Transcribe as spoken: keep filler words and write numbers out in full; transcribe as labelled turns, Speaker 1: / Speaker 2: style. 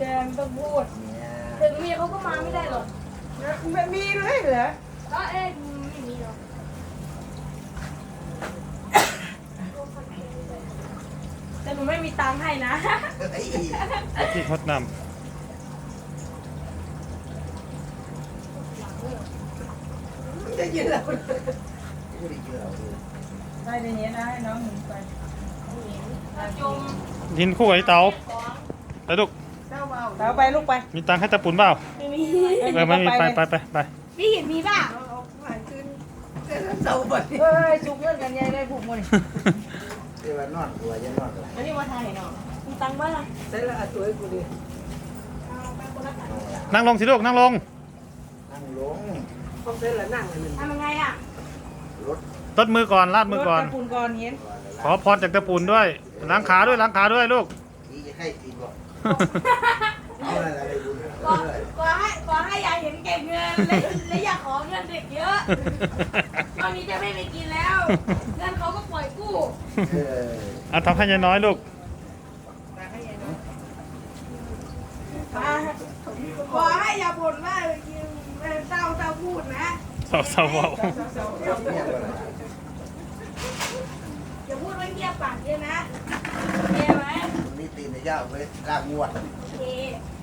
Speaker 1: ดงต้องพูดถึงเมียเขาก็มาไม่ได้หรอก
Speaker 2: ไม่มีเลยเหรอ
Speaker 1: ก็เอ๊ะไม่มีหรอกแต่หนูไม่มีตังค์ให้นะ
Speaker 3: ที่ทดน
Speaker 2: จะยืนแล้ว
Speaker 4: ได้ในนี้นะให้น้องหนูไป
Speaker 1: จม
Speaker 3: ำดินคู่กับไอ้เต๋าไปลูก
Speaker 2: เจ้าเบา
Speaker 4: เต๋าไปลูกไป
Speaker 3: มีตังค์ให้ตะปุ่นเปล่า
Speaker 1: ไม่มี
Speaker 3: เออไม่มีไปไปไปไป
Speaker 1: พี่เห็นมีป่ะ
Speaker 2: เอาผ่านขึ้นเจ้าเสาบัด
Speaker 4: เฮ้ยจุกเงินกันยายได้ผูกมัน
Speaker 5: เรียกว่านอนตัวจะนอนเลย
Speaker 4: อันนี้มาถ่ายเนาะ
Speaker 1: มีตังค์บ้างล่ะ
Speaker 2: ใส่ละตัวให้กูดิ
Speaker 1: เอาไปคนละตังค์
Speaker 3: นั่งลงสิลูกนั่งลง
Speaker 5: นั่งลง
Speaker 2: พอใส่ละนั่งอันนึง
Speaker 1: ทำยังไงอ่ะ
Speaker 5: รถ
Speaker 3: ตดมือก่อนลาดมือก่อน
Speaker 4: ตะปูนก่อนเห็น
Speaker 3: ขอพรจากตะปุ่นด้วยล้างขาด้วยล้างขาด้วยลูก
Speaker 5: ตีจะให้ตีก่อนเอาอะไรอะไรดู
Speaker 1: ขอขอให้ขอให้ยายเห็นเก็บเงินและและอยากขอเงินเด็กเยอะ ตอนนี้จะไม่ไปกินแล้ว เงินเขาก็ปล่อยกู้
Speaker 5: เออ
Speaker 3: เอาทำให้ยายน้อยลูก
Speaker 1: ขอให้อย่าบ่นว่ากินเศร้าเศร้าพูดนะ
Speaker 3: เศร้าเศร้าเบา
Speaker 5: เนี่ยอะไร
Speaker 1: อย่าพูดว่าเงียบปากเยอะนะโอเคไหม
Speaker 5: นี่ตีนจะยาวไปลากงวด
Speaker 1: โอเค